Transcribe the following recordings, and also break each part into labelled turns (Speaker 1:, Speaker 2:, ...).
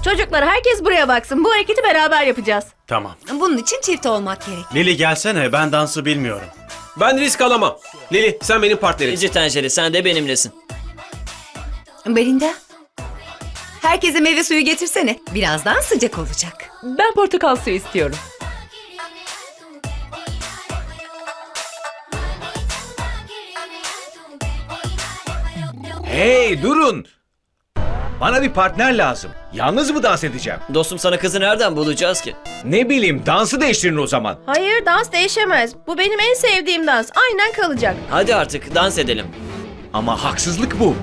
Speaker 1: Çocuklar herkes buraya baksın. Bu hareketi beraber yapacağız.
Speaker 2: Tamam.
Speaker 3: Bunun için çift olmak gerek.
Speaker 2: Lili gelsene, ben dansı bilmiyorum.
Speaker 4: Ben risk alamam. Lili sen benim partnerim.
Speaker 5: İnci tencere sen de benimlesin.
Speaker 3: Belinda. Herkese meyve suyu getirsene. Birazdan sıcak olacak.
Speaker 6: Ben portakal suyu istiyorum.
Speaker 7: Hey durun. Bana bir partner lazım. Yalnız mı dans edeceğim?
Speaker 5: Dostum sana kızı nereden bulacağız ki?
Speaker 7: Ne bileyim dansı değiştirin o zaman.
Speaker 1: Hayır, dans değişemez. Bu benim en sevdiğim dans. Aynen kalacak.
Speaker 5: Hadi artık dans edelim.
Speaker 7: Ama haksızlık bu.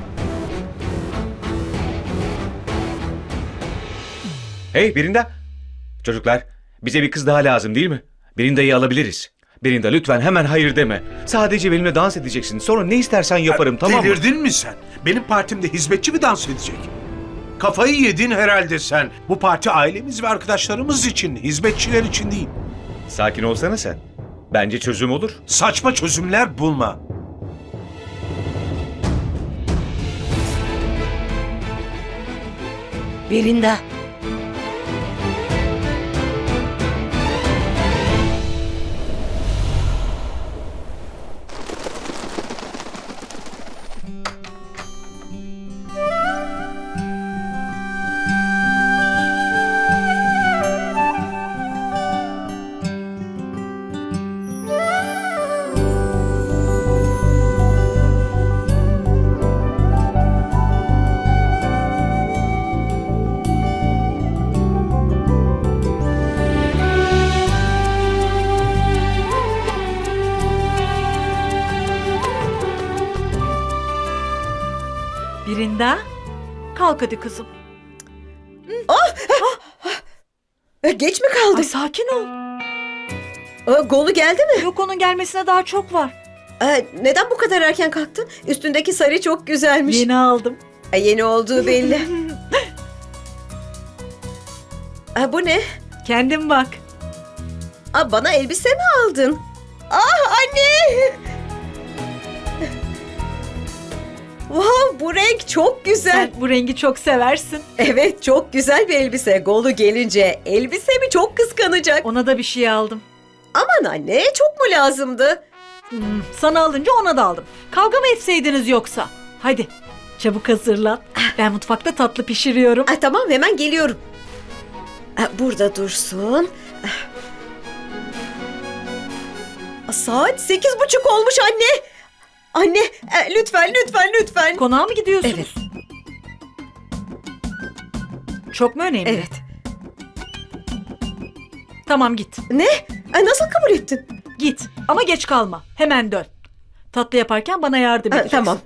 Speaker 7: Hey Birinda. Çocuklar bize bir kız daha lazım değil mi? Birinda'yı alabiliriz. Birinda lütfen hemen hayır deme. Sadece benimle dans edeceksin. Sonra ne istersen yaparım tamam mı?
Speaker 8: Delirdin mi sen? Benim partimde hizmetçi mi dans edecek? Kafayı yedin herhalde sen. Bu parti ailemiz ve arkadaşlarımız için, hizmetçiler için değil.
Speaker 7: Sakin olsana sen. Bence çözüm olur.
Speaker 8: Saçma çözümler bulma.
Speaker 3: Belinda.
Speaker 6: Birinda, kalk hadi kızım.
Speaker 9: Geç mi kaldım?
Speaker 6: Ay sakin ol.
Speaker 9: Golu geldi mi?
Speaker 6: Yok onun gelmesine daha çok var.
Speaker 9: Neden bu kadar erken kalktın? Üstündeki sarı çok güzelmiş.
Speaker 6: Yeni aldım.
Speaker 9: Yeni olduğu belli. Bu ne?
Speaker 6: Kendin bak.
Speaker 9: Bana elbise mi aldın? Ah anne! Wow, bu renk çok güzel.
Speaker 6: Sen bu rengi çok seversin.
Speaker 9: Evet, çok güzel bir elbise. Golu gelince elbisemi çok kıskanacak.
Speaker 6: Ona da bir şey aldım.
Speaker 9: Aman anne, çok mu lazımdı?
Speaker 6: Sana alınca ona da aldım. Kavga mı etseydiniz yoksa? Hadi çabuk hazırlan. Ben mutfakta tatlı pişiriyorum.
Speaker 9: Tamam, hemen geliyorum. Burada dursun. Saat 8:30 olmuş anne. Anne, lütfen.
Speaker 6: Konağa mı gidiyorsunuz?
Speaker 9: Evet.
Speaker 6: Çok mu önemli?
Speaker 9: Evet.
Speaker 6: Tamam git.
Speaker 9: Ne? Nasıl kabul ettin?
Speaker 6: Git ama geç kalma. Hemen dön. Tatlı yaparken bana yardım edeceksin.
Speaker 9: Tamam.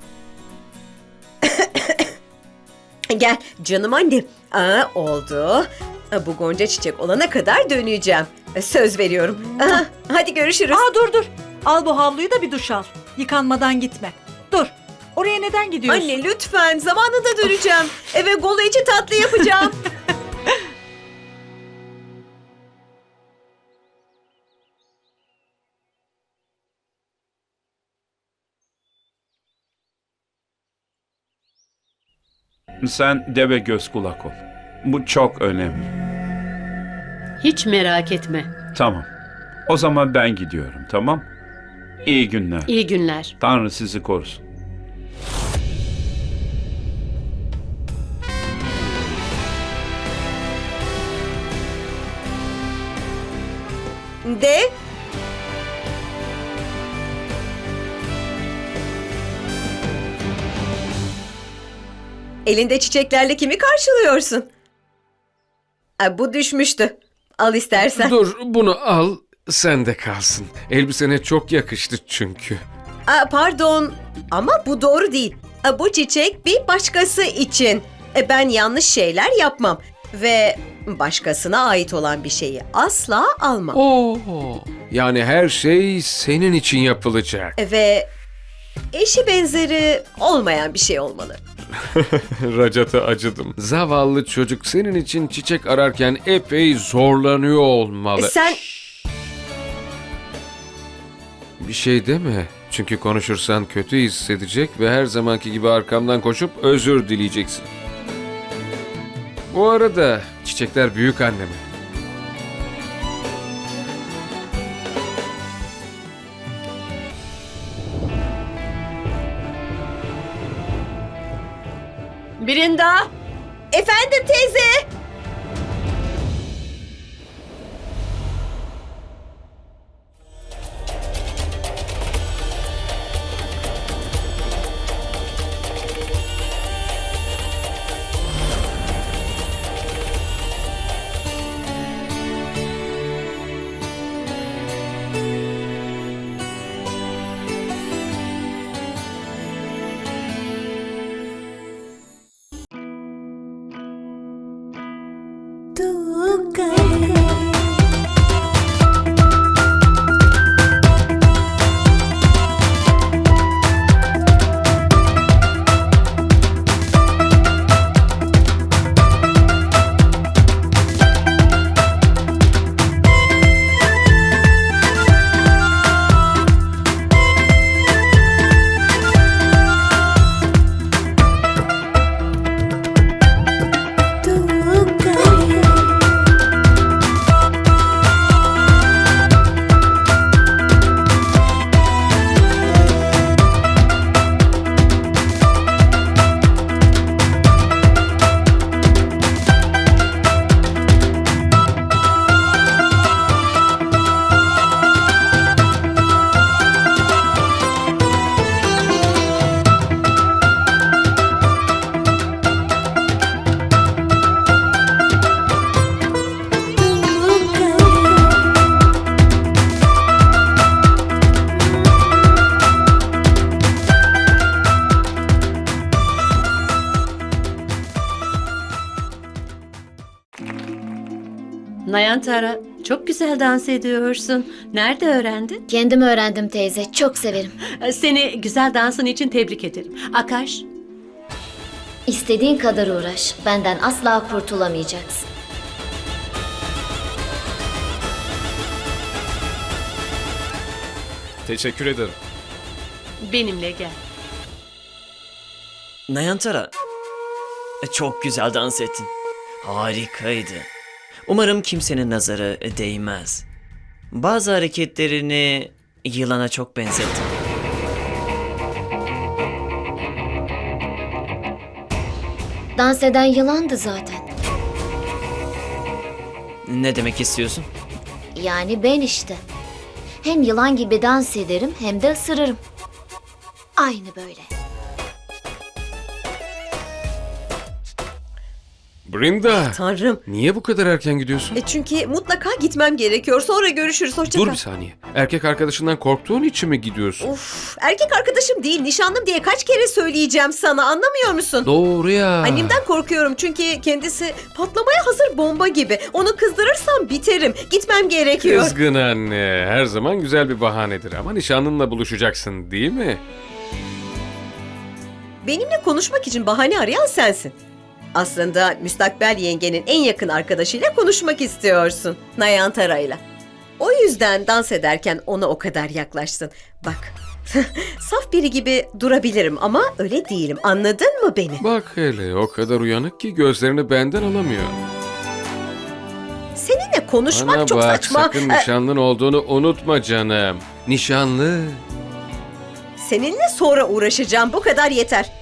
Speaker 9: Gel canım anne. Oldu. Bu gonca çiçek olana kadar döneceğim. Söz veriyorum. Hadi görüşürüz.
Speaker 6: Dur. Al bu havluyu da bir duş al. Yıkanmadan gitme. Dur. Oraya neden gidiyorsun?
Speaker 9: Anne lütfen, zamanında döneceğim. Eve golu için tatlı yapacağım.
Speaker 10: Sen deve göz kulak ol. Bu çok önemli.
Speaker 11: Hiç merak etme.
Speaker 10: Tamam. O zaman ben gidiyorum, tamam? İyi günler.
Speaker 11: İyi günler.
Speaker 10: Tanrı sizi korusun.
Speaker 9: De. Elinde çiçeklerle kimi karşılıyorsun? Bu düşmüştü. Al istersen.
Speaker 4: Dur bunu al sen de kalsın. Elbisene çok yakıştı çünkü.
Speaker 9: Pardon ama bu doğru değil. Bu çiçek bir başkası için. Ben yanlış şeyler yapmam. Ve başkasına ait olan bir şeyi asla almam.
Speaker 4: Oo, yani her şey senin için yapılacak.
Speaker 9: Ve eşi benzeri olmayan bir şey olmalı.
Speaker 4: Racat'a acıdım. Zavallı çocuk senin için çiçek ararken epey zorlanıyor olmalı.
Speaker 9: Sen...
Speaker 4: Bir şey deme. Çünkü konuşursan kötü hissedecek ve her zamanki gibi arkamdan koşup özür dileyeceksin. Bu arada çiçekler büyük anneme.
Speaker 1: Brinda.
Speaker 9: Efendim teyze.
Speaker 1: Nayantara, çok güzel dans ediyorsun. Nerede öğrendin?
Speaker 12: Kendim öğrendim teyze. Çok severim.
Speaker 1: Seni güzel dansın için tebrik ederim. Akash,
Speaker 12: İstediğin kadar uğraş. Benden asla kurtulamayacaksın.
Speaker 4: Teşekkür ederim.
Speaker 1: benimle gel.
Speaker 5: Nayantara, çok güzel dans ettin. Harikaydı. Umarım kimsenin nazarı değmez. Bazı hareketlerini yılana çok benzettin.
Speaker 12: Dans eden yılandı zaten.
Speaker 5: Ne demek istiyorsun?
Speaker 12: Yani ben işte. Hem yılan gibi dans ederim hem de ısırırım. Aynı böyle.
Speaker 4: Brinda,
Speaker 9: Tanrım.
Speaker 4: niye bu kadar erken gidiyorsun?
Speaker 9: Çünkü mutlaka gitmem gerekiyor. Sonra görüşürüz. Hoşça
Speaker 4: Dur
Speaker 9: kal.
Speaker 4: bir saniye. Erkek arkadaşından korktuğun için mi gidiyorsun?
Speaker 9: Of, erkek arkadaşım değil, nişanlım diye kaç kere söyleyeceğim sana, anlamıyor musun?
Speaker 4: Doğru ya.
Speaker 9: Annemden korkuyorum çünkü kendisi patlamaya hazır bomba gibi. Onu kızdırırsam biterim. Gitmem gerekiyor.
Speaker 4: Kızgın anne. Her zaman güzel bir bahanedir ama nişanlınla buluşacaksın değil mi?
Speaker 9: Benimle konuşmak için bahane arayan sensin. Aslında müstakbel yengenin en yakın arkadaşıyla konuşmak istiyorsun. Nayantara'yla. O yüzden dans ederken ona o kadar yaklaştın. Bak, saf biri gibi durabilirim ama öyle değilim. Anladın mı beni?
Speaker 4: Bak hele o kadar uyanık ki gözlerini benden alamıyor.
Speaker 9: Seninle konuşmak
Speaker 4: Bana
Speaker 9: çok
Speaker 4: bak
Speaker 9: saçma.
Speaker 4: sakın nişanlın olduğunu unutma canım. Nişanlı.
Speaker 9: Seninle sonra uğraşacağım. Bu kadar yeter.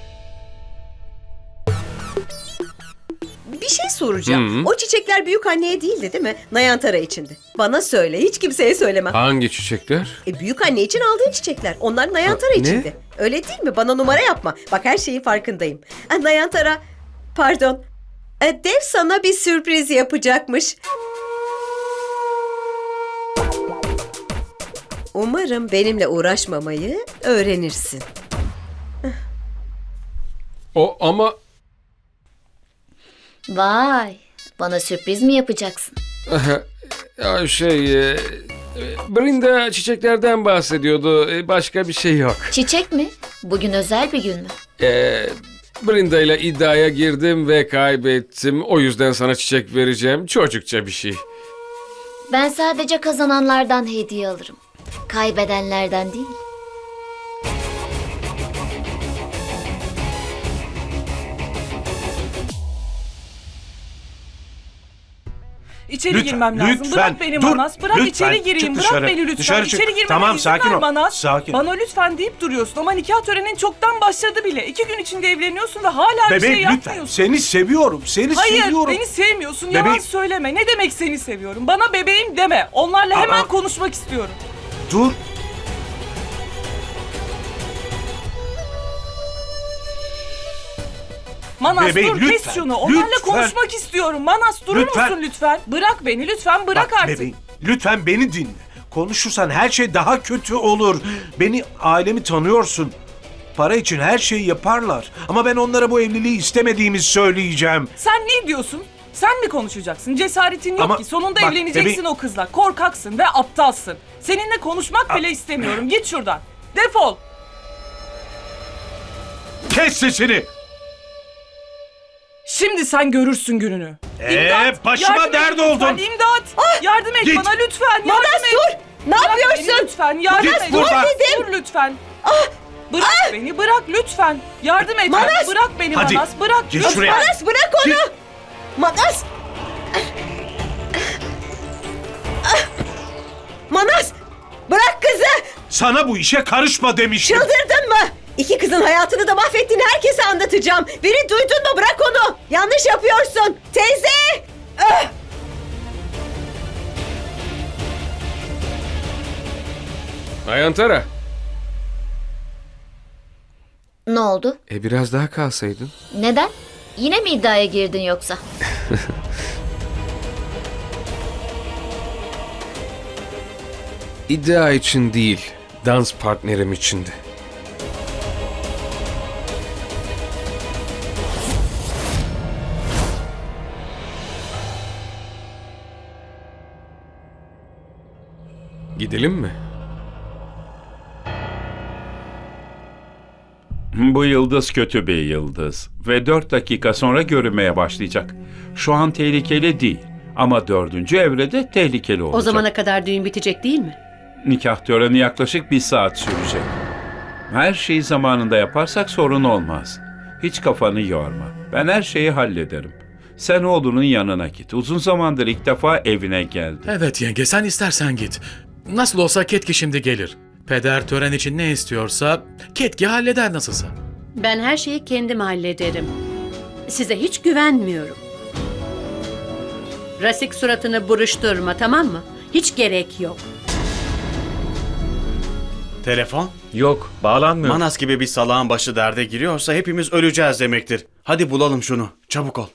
Speaker 9: Bir şey soracağım. O çiçekler büyük anneye değildi değil mi? Nayantara içindi. Bana söyle. Hiç kimseye söyleme.
Speaker 4: Hangi çiçekler?
Speaker 9: Büyük anne için aldığın çiçekler. Onlar Nayantara
Speaker 4: Ne?
Speaker 9: içindi. Öyle değil mi? Bana numara yapma. Bak her şeyin farkındayım. Nayantara, pardon. Dev sana bir sürpriz yapacakmış. Umarım benimle uğraşmamayı öğrenirsin.
Speaker 4: O ama...
Speaker 12: Vay, bana sürpriz mi yapacaksın?
Speaker 4: Ya Brinda çiçeklerden bahsediyordu. Başka bir şey yok.
Speaker 12: Çiçek mi? Bugün özel bir gün mü?
Speaker 4: Brinda ile iddiaya girdim ve kaybettim. O yüzden sana çiçek vereceğim. Çocukça bir şey.
Speaker 12: Ben sadece kazananlardan hediye alırım. Kaybedenlerden değil.
Speaker 8: Lütfen,
Speaker 6: girmem lazım.
Speaker 8: lütfen.
Speaker 6: Bırak beni
Speaker 8: Dur,
Speaker 6: Manas. Bırak
Speaker 8: lütfen.
Speaker 6: içeri gireyim.
Speaker 8: Çık
Speaker 6: Bırak
Speaker 8: dışarı.
Speaker 6: beni lütfen.
Speaker 8: Dışarı çık.
Speaker 6: İçeri girmeme
Speaker 8: Tamam,
Speaker 6: izin
Speaker 8: sakin
Speaker 6: ver
Speaker 8: ol.
Speaker 6: Manas.
Speaker 8: Sakin.
Speaker 6: Bana lütfen deyip duruyorsun ama nikah törenin çoktan başladı bile. 2 gün içinde evleniyorsun ve hala bir
Speaker 8: Bebeğim
Speaker 6: şey
Speaker 8: lütfen.
Speaker 6: yapmıyorsun.
Speaker 8: Seni seviyorum. Seni
Speaker 6: Hayır,
Speaker 8: seviyorum.
Speaker 6: beni sevmiyorsun. Yalan
Speaker 8: Bebeğim.
Speaker 6: söyleme. Ne demek seni seviyorum? Bana bebeğim deme. Onlarla hemen
Speaker 8: Aa.
Speaker 6: konuşmak istiyorum.
Speaker 8: Dur.
Speaker 6: Manas
Speaker 8: Bebeğim,
Speaker 6: dur
Speaker 8: lütfen,
Speaker 6: kes şunu. Onlarla
Speaker 8: lütfen.
Speaker 6: konuşmak istiyorum. Manas durur
Speaker 8: Lütfen.
Speaker 6: musun lütfen? Bırak beni lütfen bırak
Speaker 8: Bak
Speaker 6: artık.
Speaker 8: bebeğim, lütfen beni dinle. Konuşursan her şey daha kötü olur. Beni, ailemi tanıyorsun. Para için her şeyi yaparlar. Ama ben onlara bu evliliği istemediğimi söyleyeceğim.
Speaker 6: Sen ne diyorsun? Sen mi konuşacaksın? Cesaretin yok
Speaker 8: Ama
Speaker 6: ki. Sonunda
Speaker 8: bak,
Speaker 6: evleneceksin o kızla. Korkaksın ve aptalsın. Seninle konuşmak bile istemiyorum. Git şuradan. Defol.
Speaker 8: Kes sesini.
Speaker 6: Şimdi sen görürsün gününü.
Speaker 8: Başıma
Speaker 6: yardım et
Speaker 8: dert
Speaker 6: lütfen,
Speaker 8: oldun.
Speaker 6: İmdat. Yardım et
Speaker 8: Git.
Speaker 6: bana lütfen. Yardım
Speaker 9: Manas
Speaker 6: et.
Speaker 9: dur. Ne
Speaker 6: Bırak
Speaker 9: yapıyorsun?
Speaker 6: beni lütfen. Yardım
Speaker 8: Git
Speaker 6: et.
Speaker 8: buradan.
Speaker 6: Dur lütfen. Bırak beni. Bırak lütfen. Yardım et.
Speaker 9: Manas.
Speaker 6: Bırak beni
Speaker 8: Hadi,
Speaker 6: Manas. Bırak.
Speaker 8: git
Speaker 6: lütfen.
Speaker 8: şuraya.
Speaker 9: Manas bırak onu.
Speaker 8: Git.
Speaker 9: Manas. Manas. Bırak kızı.
Speaker 8: Sana bu işe karışma demiştim.
Speaker 9: Çıldırdın mı? 2 kızın hayatını da mahvettiğini herkese anlatacağım. Beni duydun mu? Bırak onu. Yanlış yapıyorsun. Teyze.
Speaker 4: Nayantara.
Speaker 12: Ne oldu?
Speaker 4: Biraz daha kalsaydın.
Speaker 12: Neden? Yine mi iddiaya girdin yoksa?
Speaker 4: İddia için değil, dans partnerim içindi. Gidelim mi?
Speaker 10: Bu yıldız kötü bir yıldız ve 4 dakika sonra görünmeye başlayacak. Şu an tehlikeli değil ama 4. evrede tehlikeli olacak.
Speaker 11: O zamana kadar düğün bitecek değil mi?
Speaker 10: Nikah töreni yaklaşık 1 saat sürecek. Her şeyi zamanında yaparsak sorun olmaz. Hiç kafanı yorma. Ben her şeyi hallederim. Sen oğlunun yanına git. Uzun zamandır ilk defa evine geldi.
Speaker 2: Evet yenge, sen istersen git. Nasıl olsa Ketki şimdi gelir. Peder tören için ne istiyorsa Ketki halleder nasılsa.
Speaker 11: Ben her şeyi kendim hallederim. Size hiç güvenmiyorum. Rasik suratını buruşturma, tamam mı? Hiç gerek yok.
Speaker 2: Telefon?
Speaker 7: Yok, bağlanmıyor.
Speaker 2: Manas gibi bir salağın başı derde giriyorsa hepimiz öleceğiz demektir. Hadi bulalım şunu. Çabuk ol.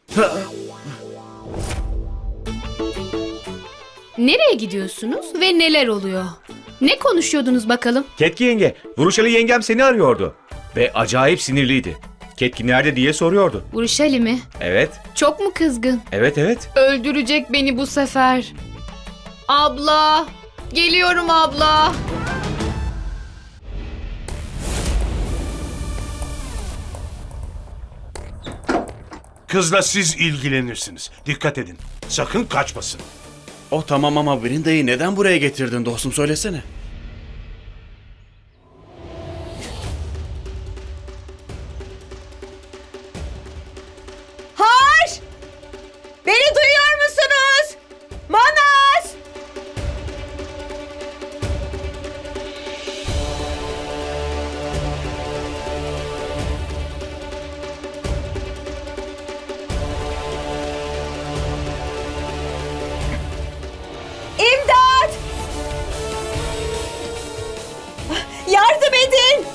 Speaker 13: Nereye gidiyorsunuz ve neler oluyor? Ne konuşuyordunuz bakalım?
Speaker 7: Ketki yenge, Vuruşalı yengem seni arıyordu. Ve acayip sinirliydi. Ketki nerede diye soruyordu.
Speaker 13: Uruşali mi?
Speaker 7: Evet,
Speaker 13: Çok mu kızgın?
Speaker 7: evet.
Speaker 13: Öldürecek beni bu sefer. Abla! Geliyorum abla!
Speaker 8: Kızla siz ilgilenirsiniz. Dikkat edin. Sakın kaçmasın.
Speaker 2: O tamam ama Brinda'yı neden buraya getirdin dostum, söylesene.
Speaker 9: Har! Beni duyuyor musunuz? Manas! İmdat! Yardım edin!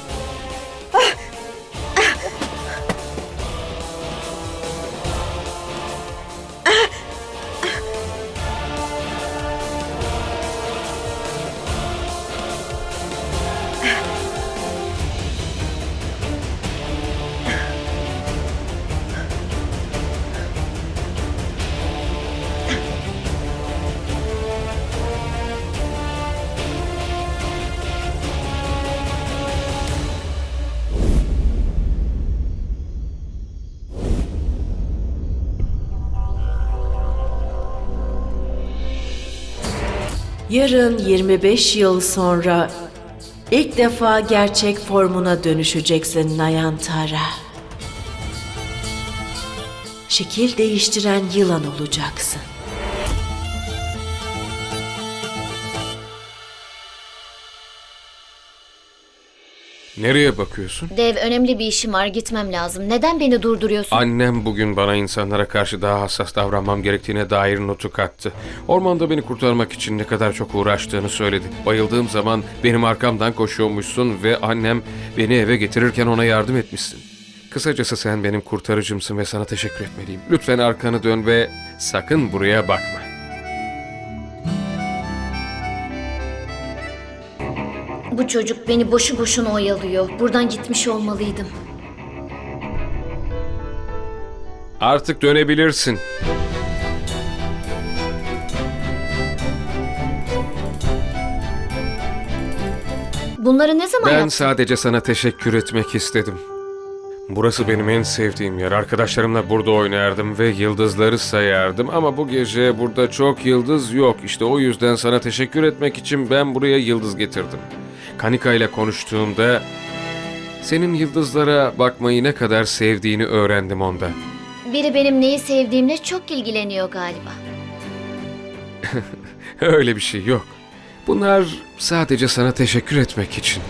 Speaker 14: Yarın 25 yıl sonra ilk defa gerçek formuna dönüşeceksin Nayantara. Şekil değiştiren yılan olacaksın.
Speaker 4: Nereye bakıyorsun?
Speaker 12: Dev, önemli bir işim var, gitmem lazım. Neden beni durduruyorsun?
Speaker 4: Annem bugün bana insanlara karşı daha hassas davranmam gerektiğine dair notu kattı. Ormanda beni kurtarmak için ne kadar çok uğraştığını söyledi. Bayıldığım zaman benim arkamdan koşuyormuşsun ve annem beni eve getirirken ona yardım etmişsin. Kısacası sen benim kurtarıcımsın ve sana teşekkür etmeliyim. Lütfen arkanı dön ve sakın buraya bakma.
Speaker 12: Bu çocuk beni boşu boşuna oyalıyor. Buradan gitmiş olmalıydım.
Speaker 4: Artık dönebilirsin.
Speaker 12: Bunları ne zaman
Speaker 4: Ben
Speaker 12: yaptın?
Speaker 4: sadece sana teşekkür etmek istedim. Burası benim en sevdiğim yer. Arkadaşlarımla burada oynardım ve yıldızları sayardım ama bu gece burada çok yıldız yok. İşte o yüzden sana teşekkür etmek için ben buraya yıldız getirdim. Kanika ile konuştuğumda senin yıldızlara bakmayı ne kadar sevdiğini öğrendim ondan.
Speaker 12: Biri benim neyi sevdiğimle çok ilgileniyor galiba.
Speaker 4: Öyle bir şey yok. Bunlar sadece sana teşekkür etmek için.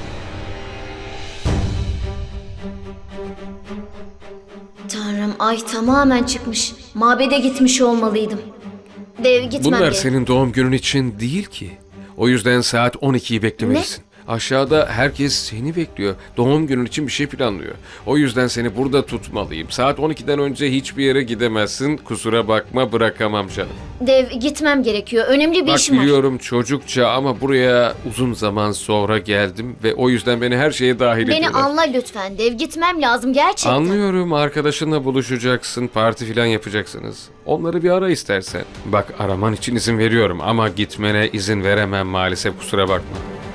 Speaker 12: Tanrım, ay tamamen çıkmış. Mabede gitmiş olmalıydım. Dev, gitmem
Speaker 4: Bunlar
Speaker 12: gerek.
Speaker 4: senin doğum günün için değil ki. O yüzden saat 12'yi beklemelisin. Aşağıda herkes seni bekliyor. Doğum günün için bir şey planlıyor. O yüzden seni burada tutmalıyım. Saat 12'den önce hiçbir yere gidemezsin. Kusura bakma, bırakamam canım.
Speaker 12: Dev, gitmem gerekiyor. Önemli bir
Speaker 4: Bak
Speaker 12: işim var.
Speaker 4: biliyorum çocukça ama buraya uzun zaman sonra geldim ve o yüzden beni her şeye dahil
Speaker 12: Beni
Speaker 4: ediyorlar.
Speaker 12: anla lütfen Dev. Gitmem lazım gerçekten.
Speaker 4: Anlıyorum, arkadaşınla buluşacaksın, parti falan yapacaksınız. Onları bir ara istersen. Bak, araman için izin veriyorum ama gitmene izin veremem maalesef, kusura bakma.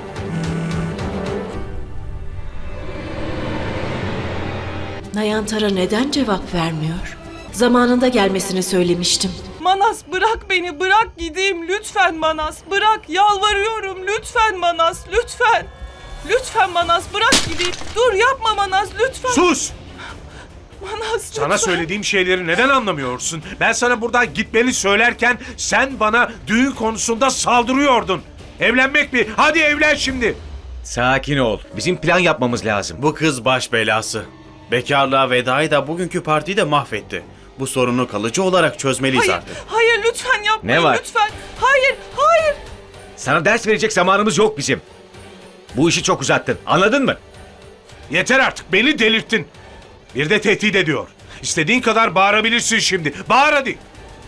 Speaker 14: Nayantara neden cevap vermiyor? Zamanında gelmesini söylemiştim.
Speaker 15: Manas, bırak beni, bırak gideyim lütfen Manas, bırak, yalvarıyorum lütfen Manas, lütfen. Lütfen Manas, bırak gideyim. Dur, yapma Manas, lütfen.
Speaker 8: Sus!
Speaker 15: Manas,
Speaker 8: Sana
Speaker 15: lütfen.
Speaker 8: söylediğim şeyleri neden anlamıyorsun? Ben sana buradan gitmeni söylerken sen bana düğün konusunda saldırıyordun. Evlenmek mi? Hadi evlen şimdi.
Speaker 7: Sakin ol. Bizim plan yapmamız lazım.
Speaker 16: Bu kız baş belası. Bekarlığa vedayı da bugünkü partiyi de mahvetti. Bu sorunu kalıcı olarak çözmeliyiz
Speaker 15: Hayır,
Speaker 16: artık.
Speaker 15: hayır lütfen yapmayın
Speaker 7: Ne var?
Speaker 15: lütfen. Hayır, hayır.
Speaker 7: Sana ders verecek zamanımız yok bizim. Bu işi çok uzattın. Anladın mı?
Speaker 8: Yeter artık, beni delirttin. Bir de tehdit ediyor. İstediğin kadar bağırabilirsin şimdi. Bağır hadi.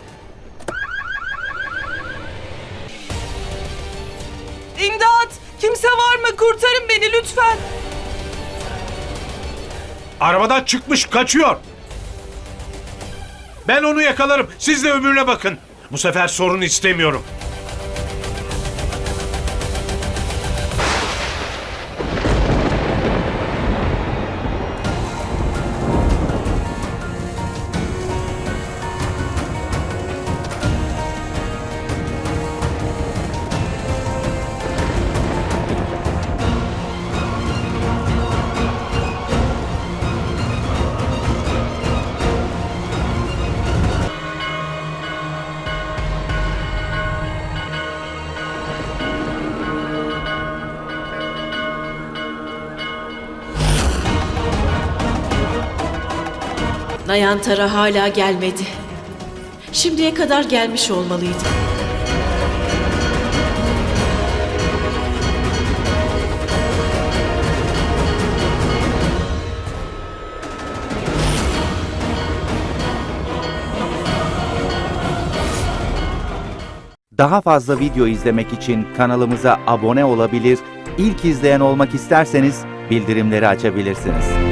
Speaker 15: İmdat! Kimse var mı? Kurtarın beni lütfen.
Speaker 8: Arabadan çıkmış, kaçıyor. Ben onu yakalarım. Siz de öbürüne bakın. Bu sefer sorun istemiyorum.
Speaker 14: Nayantara hala gelmedi. Şimdiye kadar gelmiş olmalıydı.
Speaker 17: Daha fazla video izlemek için kanalımıza abone olabilir, ilk izleyen olmak isterseniz bildirimleri açabilirsiniz.